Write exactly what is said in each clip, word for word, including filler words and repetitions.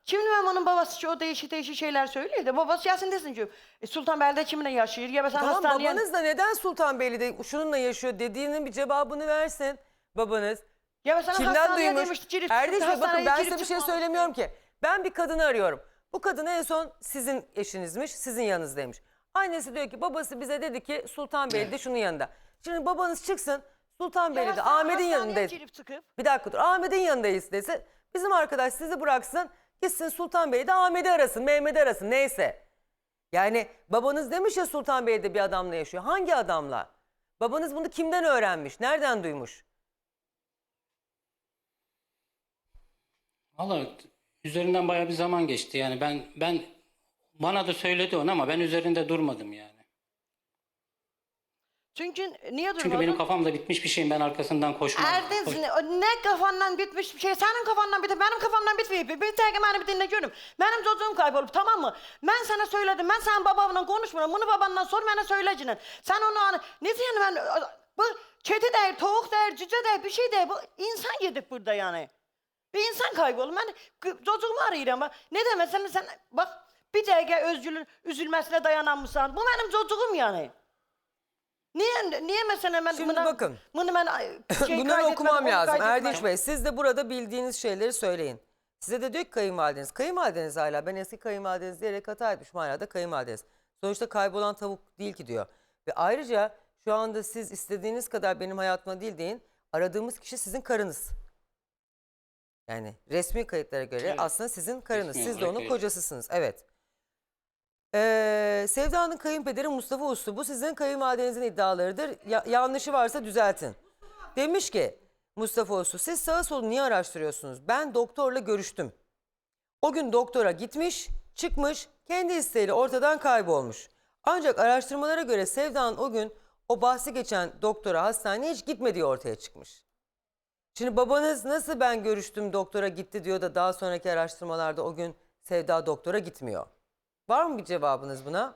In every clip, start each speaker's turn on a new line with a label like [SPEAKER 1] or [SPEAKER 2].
[SPEAKER 1] Şimdi ben onun babası o değişik değişik şeyler söylüyor da babası gelsin desin ki e, Sultanbeyli'de kiminle yaşıyor ya mesela
[SPEAKER 2] Tamam,
[SPEAKER 1] hastaneye...
[SPEAKER 2] babanız da neden Sultanbeyli'de şununla yaşıyor dediğinin bir cevabını versin babanız.
[SPEAKER 1] Ya mesela
[SPEAKER 2] Kimden
[SPEAKER 1] hastaneye
[SPEAKER 2] duymuş?
[SPEAKER 1] demişti, girip
[SPEAKER 2] Erdiş
[SPEAKER 1] çıktı,
[SPEAKER 2] Bey bakın
[SPEAKER 1] hastaneye
[SPEAKER 2] ben
[SPEAKER 1] girip
[SPEAKER 2] size bir şey
[SPEAKER 1] çıkmamış.
[SPEAKER 2] söylemiyorum ki. Ben bir kadını arıyorum. Bu kadın en son sizin eşinizmiş, sizin yanınızdaymış. Annesi diyor ki babası bize dedi ki Sultanbeyli'de şunun yanında. Şimdi babanız çıksın Sultanbeyli'de Ahmet'in yanındayız.
[SPEAKER 1] Girip çıkıp.
[SPEAKER 2] Bir dakika dur, Ahmet'in yanındayız dese bizim arkadaş sizi bıraksın gitsin Sultanbeyli'de Ahmet'i arasın, Mehmet'i arasın neyse. Yani babanız demiş ya Sultanbeyli'de bir adamla yaşıyor. Hangi adamla? Babanız bunu kimden öğrenmiş? Nereden duymuş?
[SPEAKER 3] Vallahi üzerinden bayağı bir zaman geçti. Yani ben ben bana da söyledi onu ama ben üzerinde durmadım yani.
[SPEAKER 1] Çünkü niye durmadın?
[SPEAKER 3] Çünkü benim kafamda bitmiş bir şeyin ben arkasından koşmam.
[SPEAKER 1] Erdinsin, o ne kafandan bitmiş bir şey, senin kafandan bitip benim kafamdan bitmiyor. Bir tek beni bir dinle görüm. Benim çocuğum kaybolup tamam mı? Ben sana söyledim, ben senin babanla konuşmuyorum. Bunu babandan sor, bana söyleyeceksin. Sen onu hani, ne diyorsun ben, bu kedi değil, tavuk değil, cüce değil, bir şey değil. Bu insan yedik burada yani. Bir insan kaybolup ben çocuğumu arıyorum. Ne demesen sen, bak bir dakika özgürlüğün üzülmesine dayanamıyorsan. Bu benim çocuğum yani. Niye niye mesela ben
[SPEAKER 2] Şimdi
[SPEAKER 1] buna,
[SPEAKER 2] bakın.
[SPEAKER 1] bunu ben şey
[SPEAKER 2] Bunları okumam
[SPEAKER 1] onu
[SPEAKER 2] lazım.
[SPEAKER 1] kaydetmedim.
[SPEAKER 2] Erdiş Bey siz de burada bildiğiniz şeyleri söyleyin. Size de diyor ki kayınvalideniz. Kayınvalideniz hala ben eski kayınvalideniz diyerek hata etmişim hala da kayınvalideniz. Sonuçta kaybolan tavuk değil ki diyor. Ve ayrıca şu anda siz istediğiniz kadar benim hayatıma değil deyin. Aradığımız kişi sizin karınız. Yani resmi kayıtlara göre
[SPEAKER 3] Evet.
[SPEAKER 2] aslında sizin karınız.
[SPEAKER 3] Resmi
[SPEAKER 2] Siz de
[SPEAKER 3] olarak
[SPEAKER 2] onun
[SPEAKER 3] öyle.
[SPEAKER 2] kocasısınız. Evet. Ee, Sevda'nın kayınpederi Mustafa Uslu. Bu sizin kayınvalidenizin iddialarıdır. Ya- yanlışı varsa düzeltin. Demiş ki Mustafa Uslu siz sağa solu niye araştırıyorsunuz? Ben doktorla görüştüm. O gün doktora gitmiş, çıkmış, kendi isteğiyle ortadan kaybolmuş. Ancak araştırmalara göre Sevda'nın o gün o bahsi geçen doktora hastaneye hiç gitmediği ortaya çıkmış. Şimdi babanız nasıl ben görüştüm doktora gitti diyor da daha sonraki araştırmalarda o gün Sevda doktora gitmiyor. Var mı bir cevabınız buna?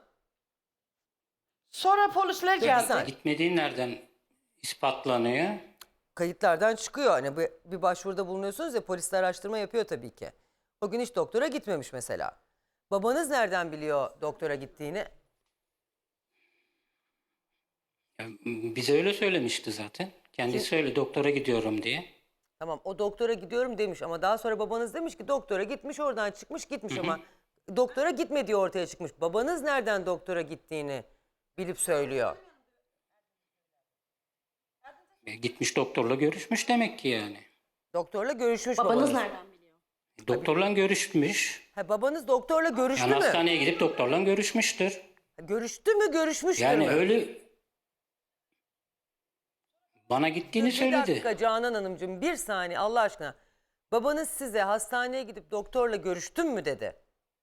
[SPEAKER 1] Sonra polisler geldi.
[SPEAKER 2] saniye.
[SPEAKER 3] Gitmediğin nereden ispatlanıyor?
[SPEAKER 2] Kayıtlardan çıkıyor. Hani bir, bir başvuruda bulunuyorsunuz ya polis de araştırma yapıyor tabii ki. O gün hiç doktora gitmemiş mesela. Babanız nereden biliyor doktora gittiğini?
[SPEAKER 3] Ya, bize öyle söylemişti zaten. Kendisi öyle doktora gidiyorum diye.
[SPEAKER 2] Tamam o doktora gidiyorum demiş ama daha sonra babanız demiş ki doktora gitmiş oradan çıkmış gitmiş ama doktora gitmediği ortaya çıkmış. Babanız nereden doktora gittiğini bilip söylüyor.
[SPEAKER 3] E, Gitmiş doktorla görüşmüş demek ki yani.
[SPEAKER 2] Doktorla görüşmüş
[SPEAKER 4] Babanız
[SPEAKER 2] babanız.
[SPEAKER 4] nereden biliyor?
[SPEAKER 3] Doktorla görüşmüş.
[SPEAKER 2] Ha, babanız doktorla görüştü
[SPEAKER 3] Yani
[SPEAKER 2] mü?
[SPEAKER 3] hastaneye gidip doktorla görüşmüştür.
[SPEAKER 2] Görüştü mü görüşmüştür
[SPEAKER 3] Yani
[SPEAKER 2] mü?
[SPEAKER 3] öyle bana gittiğini
[SPEAKER 2] Bir
[SPEAKER 3] söyledi.
[SPEAKER 2] dakika Canan Hanımcığım bir saniye Allah aşkına. Babanız size hastaneye gidip doktorla görüştün mü dedi.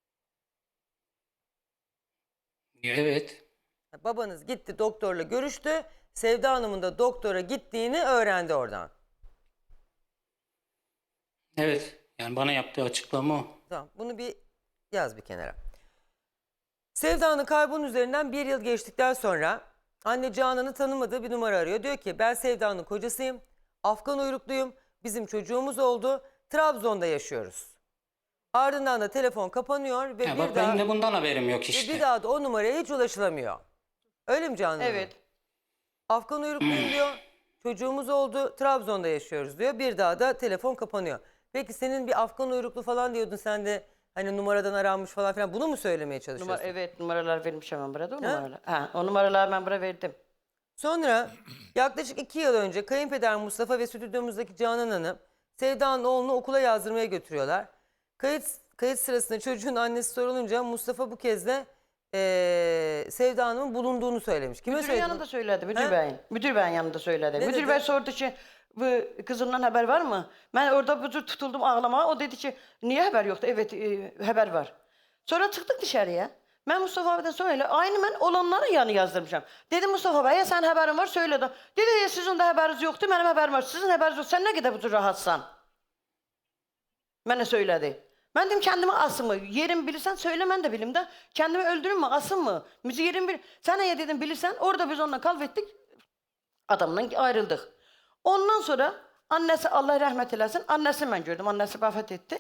[SPEAKER 3] Evet.
[SPEAKER 2] Babanız gitti doktorla görüştü. Sevda Hanım'ın da doktora gittiğini öğrendi oradan.
[SPEAKER 3] Evet. Yani bana yaptığı açıklama o.
[SPEAKER 2] Tamam bunu bir yaz bir kenara. Sevda'nın kaybının üzerinden bir yıl geçtikten sonra anne Canan'ı tanımadığı bir numara arıyor. Diyor ki ben Sevda'nın kocasıyım. Afgan uyrukluyum. Bizim çocuğumuz oldu. Trabzon'da yaşıyoruz. Ardından da telefon kapanıyor ve
[SPEAKER 3] Ya
[SPEAKER 2] bir
[SPEAKER 3] bak
[SPEAKER 2] daha...
[SPEAKER 3] benim de bundan haberim yok
[SPEAKER 2] Ve
[SPEAKER 3] işte.
[SPEAKER 2] bir daha da o numaraya hiç ulaşılamıyor. Öyle mi Canan Hanım?
[SPEAKER 1] Evet.
[SPEAKER 2] Afgan uyrukluyum diyor. Çocuğumuz oldu. Trabzon'da yaşıyoruz diyor. Bir daha da telefon kapanıyor. Peki senin bir Afgan uyruklu falan diyordun sen de hani numaradan aranmış falan filan. Bunu mu söylemeye çalışıyorsun?
[SPEAKER 1] Numara, evet numaralar vermiş hemen burada o numaralar. Ha, o numaraları ben buraya verdim.
[SPEAKER 2] Sonra yaklaşık iki yıl önce kayınpeder Mustafa ve stüdyomuzdaki Canan Hanım Sevda'nın oğlunu okula yazdırmaya götürüyorlar. Kayıt, kayıt sırasında çocuğun annesi sorulunca Mustafa bu kez de eee Sevda Hanım'ın bulunduğunu söylemiş. Kime
[SPEAKER 1] Müdürün
[SPEAKER 2] söyledi?
[SPEAKER 1] yanında söyledi, müdür
[SPEAKER 2] He?
[SPEAKER 1] beyin. Müdür beyin yanında söyledi.
[SPEAKER 2] Ne
[SPEAKER 1] müdür
[SPEAKER 2] dedi?
[SPEAKER 1] bey sordu ki bu kızından haber var mı? Ben orada budur tutuldum ağlamaya. O dedi ki niye haber yoktu? Evet e, haber var. Sonra çıktık dışarıya. Ben Mustafa abiden sonra aynı ben olanların yanı yazdırmışım. Dedim Mustafa Bey'e sen haberin var söyle de. Dedi ya sizin de haberiniz yoktu benim haberim var. Sizin haberiniz yok. Sen ne kadar budur rahatsan? Bana söyledi. Ben dedim kendimi asın mı? Yerimi bilirsen söyle ben de bilim de. Kendimi öldürün mü asın mı? Müziği yerimi bil. Sen ya dedim bilirsen orada biz onunla kalvettik. Adamla ayrıldık. Ondan sonra annesi Allah rahmet eylesin. Annesini ben gördüm. Annesi vefat etti.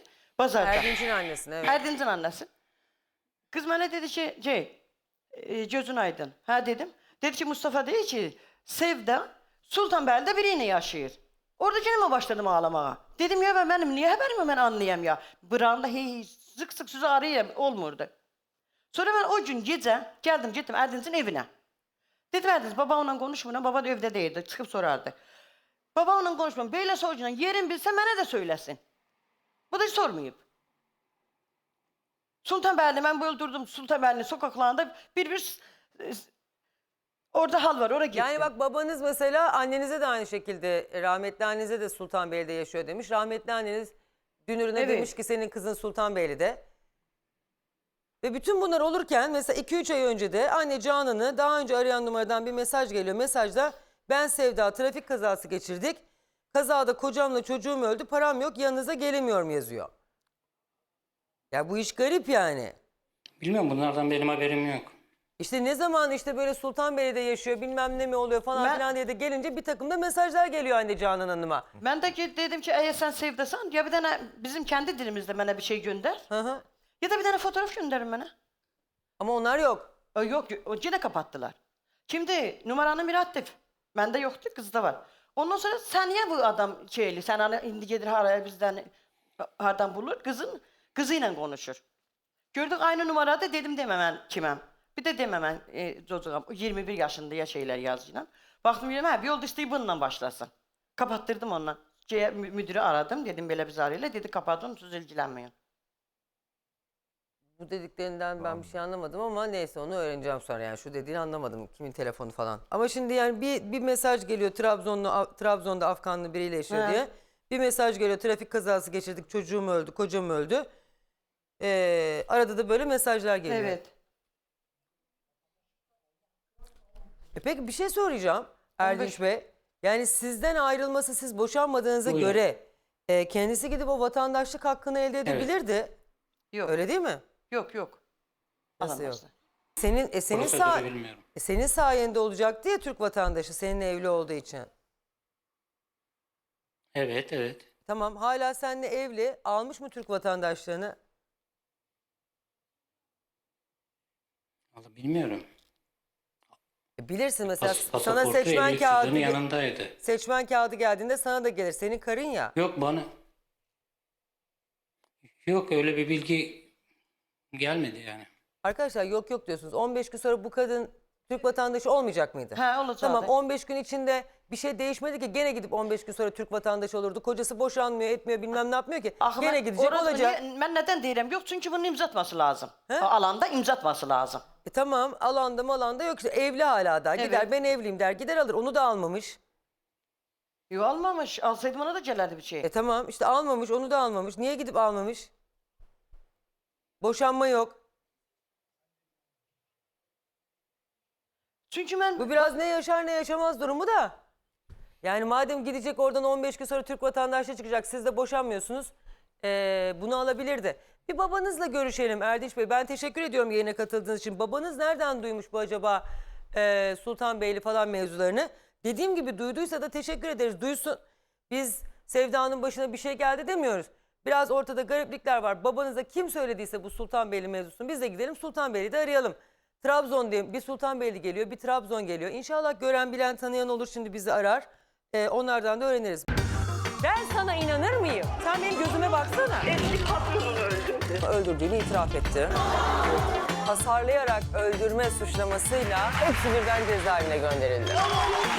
[SPEAKER 1] Bazarda.
[SPEAKER 2] Erdinç'in annesine evet.
[SPEAKER 1] Erdinç'in annesi. Kız bana dedi ki, şey, e, gözün aydın. Ha dedim. Dedi ki Mustafa dedi ki, Sevda Sultanbeyli'de biriyle yaşıyor. Orada yine mi başladım ağlamaya? Dedim ya ben benim niye haberimi ben anlayayım ya. Bırağımda hey, sık sık sizi arayayım olmurdu. Sonra ben o gün gece geldim gittim Erdinç'in evine. Dedim Erdinç baba onunla konuşmuyor. Baba da evde değildi. Çıkıp sorardı. Baba onunla konuşmuyor. Böyle soracağına yerin bilse bana da söylesin. Bu da hiç sormayıp. Sultanbeyli'de ben böyle durdum Sultanbeyli'nin sokaklarında bir bir e, orada hal var oraya gittim.
[SPEAKER 2] Yani bak babanız mesela annenize de aynı şekilde rahmetli annenize de Sultanbeyli'de yaşıyor demiş. Rahmetli anneniz dünürüne
[SPEAKER 1] Evet.
[SPEAKER 2] demiş ki senin kızın Sultanbeyli'de. Ve bütün bunlar olurken mesela iki üç ay önce de anne Canan'ı daha önce arayan numaradan bir mesaj geliyor. Mesajda ben Sevda trafik kazası geçirdik. Kazada kocamla çocuğum öldü param yok yanınıza gelemiyorum yazıyor. Ya bu iş garip yani.
[SPEAKER 3] Bilmiyorum bunlardan benim haberim yok.
[SPEAKER 2] İşte ne zaman işte böyle Sultanbeyli'de yaşıyor bilmem ne mi oluyor falan
[SPEAKER 1] Ben-
[SPEAKER 2] filan diye de gelince bir takım da mesajlar geliyor anne Canan Hanım'a.
[SPEAKER 1] Ben de ki- dedim ki eğer sen Sevdasan ya bir tane bizim kendi dilimizde bana bir şey gönder.
[SPEAKER 2] Hı hı.
[SPEAKER 1] Ya da bir tane fotoğraf gönderin bana.
[SPEAKER 2] Ama onlar yok.
[SPEAKER 1] O yok o yine kapattılar. Şimdi numaranın biri aktif. Bende yoktu kızda var. Ondan sonra sen niye bu adam şeyli sen hani indi gelir haraya bizden hardan bulur kızın kızıyla konuşur. Gördük aynı numarada dedim dememen kimem. Bir de dememen e, çocuğum yirmi bir yaşında ya şeyler yazıyla. Baktım dedim ha bir yolda işte bununla başlasın. Kapattırdım onunla. Şeye, mü- müdürü aradım dedim böyle bir zarıyla dedi kapatın siz ilgilenmeyin.
[SPEAKER 2] Bu dediklerinden ben bir şey anlamadım ama neyse onu öğreneceğim sonra yani şu dediğini anlamadım kimin telefonu falan. Ama şimdi yani bir, bir mesaj geliyor Trabzonlu Af- Trabzon'da Afganlı biriyle yaşıyor
[SPEAKER 1] He.
[SPEAKER 2] diye. Bir mesaj geliyor trafik kazası geçirdik çocuğum öldü kocam öldü. Ee, arada da böyle mesajlar geliyor.
[SPEAKER 1] Evet.
[SPEAKER 2] E peki bir şey soracağım Erdinç Bey. Yani sizden ayrılması siz boşanmadığınıza
[SPEAKER 3] Buyurun.
[SPEAKER 2] göre e, kendisi gidip o vatandaşlık hakkını elde edebilirdi.
[SPEAKER 1] Yok.
[SPEAKER 2] Öyle değil mi?
[SPEAKER 1] Yok yok.
[SPEAKER 2] Nasıl yok?
[SPEAKER 1] Alamazlar.
[SPEAKER 2] Senin e, senin
[SPEAKER 3] Prosedürü
[SPEAKER 2] sa-
[SPEAKER 3] bilmiyorum.
[SPEAKER 2] e, senin sayende olacaktı ya Türk vatandaşı seninle evli olduğu için.
[SPEAKER 3] Evet evet.
[SPEAKER 2] Tamam hala seninle evli almış mı Türk vatandaşlığını?
[SPEAKER 3] Vallahi bilmiyorum.
[SPEAKER 2] E, bilirsin mesela
[SPEAKER 3] Pas,
[SPEAKER 2] sana
[SPEAKER 3] pasaportu
[SPEAKER 2] seçmen
[SPEAKER 3] evlilik
[SPEAKER 2] kağıdı
[SPEAKER 3] cüzdanı
[SPEAKER 2] ge-
[SPEAKER 3] yanındaydı.
[SPEAKER 2] seçmen kağıdı geldiğinde sana da gelir. Senin karın ya.
[SPEAKER 3] Yok bana. Yok öyle bir bilgi gelmedi yani.
[SPEAKER 2] Arkadaşlar yok yok diyorsunuz. on beş gün sonra bu kadın Türk vatandaşı olmayacak mıydı?
[SPEAKER 1] He olacak.
[SPEAKER 2] Tamam on beş gün içinde bir şey değişmedi ki gene gidip on beş gün sonra Türk vatandaşı olurdu. Kocası boşanmıyor etmiyor bilmem ne yapmıyor ki.
[SPEAKER 1] Ah,
[SPEAKER 2] Gene
[SPEAKER 1] ben-
[SPEAKER 2] gidecek
[SPEAKER 1] orası-
[SPEAKER 2] olacak.
[SPEAKER 1] niye- ben neden diyeyim yok çünkü bunun imza atması lazım.
[SPEAKER 2] He?
[SPEAKER 1] O alanda imza atması lazım.
[SPEAKER 2] E tamam alanda malanda yok işte evli hala da. Gider
[SPEAKER 1] Evet.
[SPEAKER 2] ben evliyim der gider alır onu da almamış.
[SPEAKER 1] Yok almamış. Alsaydım ona da gelirdi bir şey.
[SPEAKER 2] E tamam işte almamış onu da almamış. Niye gidip almamış? Boşanma yok.
[SPEAKER 1] Çünkü ben
[SPEAKER 2] Bu biraz ne yaşar ne yaşamaz durumu da. Yani madem gidecek oradan on beş gün sonra Türk vatandaşlığı çıkacak siz de boşanmıyorsunuz. Ee, bunu alabilirdi. Bir babanızla görüşelim Erdinç Bey. Ben teşekkür ediyorum yayına katıldığınız için. Babanız nereden duymuş bu acaba e, Sultanbeyli falan mevzularını? Dediğim gibi duyduysa da teşekkür ederiz. Duysun. Biz Sevda'nın başına bir şey geldi demiyoruz. Biraz ortada gariplikler var. Babanıza kim söylediyse bu Sultanbeyli mevzusunu biz de gidelim Sultanbeyli'de arayalım. Trabzon diye bir Sultanbeyli geliyor, bir Trabzon geliyor. İnşallah gören bilen tanıyan olur şimdi bizi arar. Ee, onlardan da öğreniriz. Ben sana inanır mıyım? Sen benim gözüme baksana.
[SPEAKER 4] Eski patronunu öldürdü.
[SPEAKER 2] Öldürdüğünü itiraf etti. Hasarlayarak öldürme suçlamasıyla hepsi birden cezaevine gönderildi.